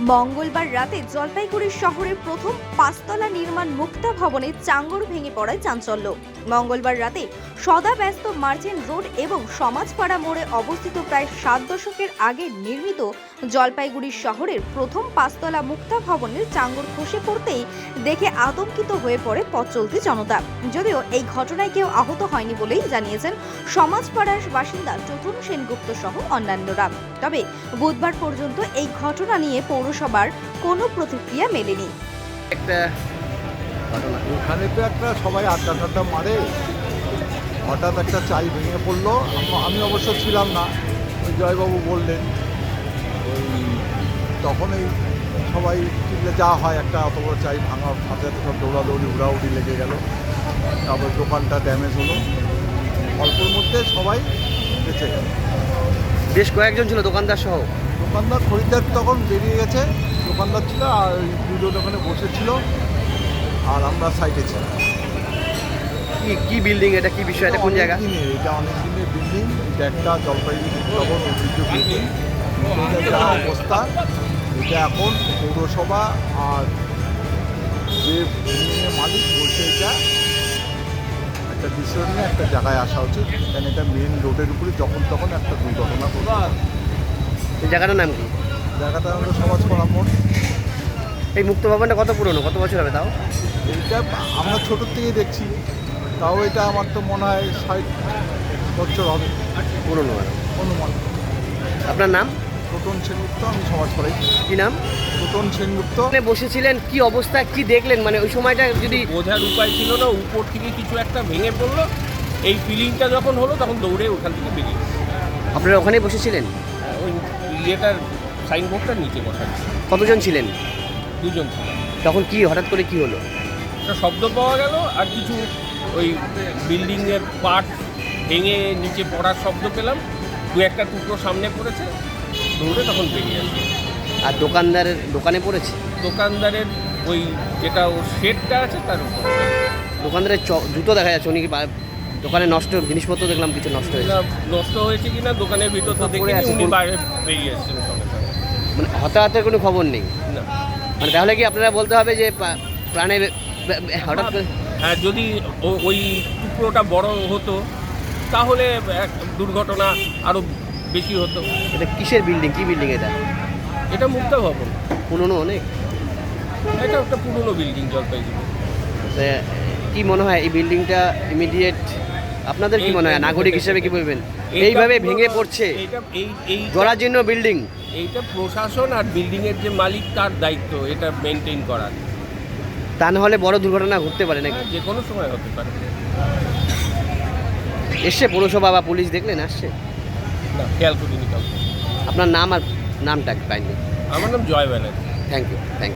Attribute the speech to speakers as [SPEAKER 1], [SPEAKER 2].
[SPEAKER 1] মঙ্গলবার রাতে জলপাইগুড়ি শহরের প্রথম পাঁচতলা নির্মাণ মুক্তা ভবনে চাঙ্গর ভেঙে পড়ায় চাঞ্চল্য। মঙ্গলবার রাতে সদাব্যস্ত মার্চেন্ট রোড এবং সমাজপাড়া মোড়ে অবস্থিত প্রায় 7 দশকের আগে নির্মিত জলপাইগুড়ি শহরের প্রথম পাঁচতলা মুক্তা ভবনের চাঙ্গর খসে পড়তেই দেখে আতঙ্কিত হয়ে পড়ে পথ চলতি জনতা। যদিও এই ঘটনায় কেউ আহত হয়নি বলেই জানিয়েছেন সমাজপাড়ার বাসিন্দা চতুন সেনগুপ্ত সহ অন্যান্যরা। তবে বুধবার পর্যন্ত এই ঘটনা নিয়ে পৌরসভার কোনো প্রতিক্রিয়া মেলেনি।
[SPEAKER 2] এখানে তো একটা সবাই আড্ডা মারে, হঠাৎ একটা চাই ভেঙে পড়লো। আমি অবশ্য ছিলাম না, ওই জয়বাবু বললেন, ওই তখনই সবাই চিনলে যা হয়, একটা অত বড় চাই ভাঙা, হাতে সব দৌড়াদৌড়ি উড়াউড়ি লেগে গেল। তারপর দোকানটা ড্যামেজ হলো, অল্পের মধ্যে সবাই বেঁচে গেল।
[SPEAKER 3] বেশ কয়েকজন ছিল দোকানদার সহ।
[SPEAKER 2] দোকানদার খরিদ্দার তখন বেরিয়ে গেছে, দোকানদার ছিল আর দুজন ওখানে বসেছিল আর আমরা সাইডে ছিলাম।
[SPEAKER 3] কি বিল্ডিং এটা, কি বিষয়, এটা কোন জায়গা?
[SPEAKER 2] এটা অনেক দিনের বিল্ডিং, এটা একটা জলপাইগুড়ি ভবন ঐতিহ্য বিল্ডিং। যা অবস্থা, এটা এখন পৌরসভা আর যে বিল্ডিংয়ের মালিক বলছে এটা একটা ডিসিশন নিয়ে একটা জায়গায় আসা উচিত, কারণ এটা মেন রোডের উপরে যখন তখন একটা দুর্ঘটনা ঘটবে।
[SPEAKER 3] এই জায়গাটার নাম কি?
[SPEAKER 2] জায়গাটা হলো সমাজপাড়া মোড়।
[SPEAKER 3] এই মুক্ত ভবনটা কত পুরনো, কত বছর হবে তাও?
[SPEAKER 2] এইটা আমরা ছোটোর থেকেই দেখছি, তাও এটা আমার তো মনে হয় 60 বছর হবে
[SPEAKER 3] পুরনো।
[SPEAKER 2] অনুমান।
[SPEAKER 3] আপনার নাম?
[SPEAKER 2] ছোটন সেনগুপ্ত, আমি সমাজপাড়াই।
[SPEAKER 3] কি নাম?
[SPEAKER 2] ছোটন সেনগুপ্ত।
[SPEAKER 3] আপনি বসেছিলেন, কি অবস্থা, কি দেখলেন? মানে ওই সময়টা যদি
[SPEAKER 4] বোঝার উপায় ছিল না, উপর থেকে কিছু একটা ভেঙে পড়লো। এই ফিলিংটা যখন হলো তখন দৌড়ে ওখান থেকে বেরিয়ে গেছে।
[SPEAKER 3] আপনারা ওখানেই বসেছিলেন?
[SPEAKER 4] ওই ইয়েটার সাইনবোর্ডটার নিচে বসা ছিল।
[SPEAKER 3] কতজন ছিলেন?
[SPEAKER 4] দুজন ছিল।
[SPEAKER 3] তখন কি হঠাৎ করে কি হলো?
[SPEAKER 4] একটা শব্দ পাওয়া গেল আর কিছু ওই বিল্ডিংয়ের পার্ট ভেঙে নিচে পড়ার শব্দ পেলাম। দু একটা টুকরো সামনে পড়েছে, দৌড়ে তখন বেরিয়ে আসে।
[SPEAKER 3] আর দোকানদারের দোকানে পড়েছে?
[SPEAKER 4] দোকানদারের ওই যেটা ওর শেডটা আছে তার উপর।
[SPEAKER 3] দোকানদারের জুতো দেখা যাচ্ছে, উনি কি দোকানে নষ্ট জিনিসপত্র দেখলাম কিছু নষ্ট হয়েছে।
[SPEAKER 4] নষ্ট হয়েছে কিনা দোকানের ভিতর তো দেখিনি, উনি বাইরে বেরিয়ে এসেছেন সঙ্গে সঙ্গে।
[SPEAKER 3] মানে হতাহতের কোনো খবর নেই?
[SPEAKER 4] না।
[SPEAKER 3] মানে তাহলে কি আপনারা বলতে হবে যে প্রাণে হঠাৎ করে?
[SPEAKER 4] হ্যাঁ, যদি ওই টুকরোটা বড় হতো তাহলে এক দুর্ঘটনা আরও বেশি হতো।
[SPEAKER 3] এটা কিসের বিল্ডিং, কি বিল্ডিং এটা?
[SPEAKER 4] এটা মুক্তা ভবন,
[SPEAKER 3] পুরনো অনেক।
[SPEAKER 4] এটা একটা পুরনো বিল্ডিং জলপাইগুড়ি।
[SPEAKER 3] কি মনে হয় এই বিল্ডিংটা ইমিডিয়েট, আপনাদের কি মনে হয় নাগরিক হিসেবে কি বলবেন? এইভাবে ভেঙে পড়ছে, জরাজীর্ণ বিল্ডিং।
[SPEAKER 4] এইটা প্রশাসন আর বিল্ডিংয়ের যে মালিক তার দায়িত্ব এটা মেনটেন করার।
[SPEAKER 3] তা না হলে বড় দুর্ঘটনা ঘটতে পারে নাকি?
[SPEAKER 4] যে কোনো সময় হতে পারে।
[SPEAKER 3] এসছে পৌরসভা বা পুলিশ, দেখলেন আসছে?
[SPEAKER 4] না, খেয়াল করিনি কাউকে।
[SPEAKER 3] আপনার নাম আর নামটা কাইন্ডলি?
[SPEAKER 4] আমার নাম জয় ব্যানার্জি।
[SPEAKER 3] Thank you.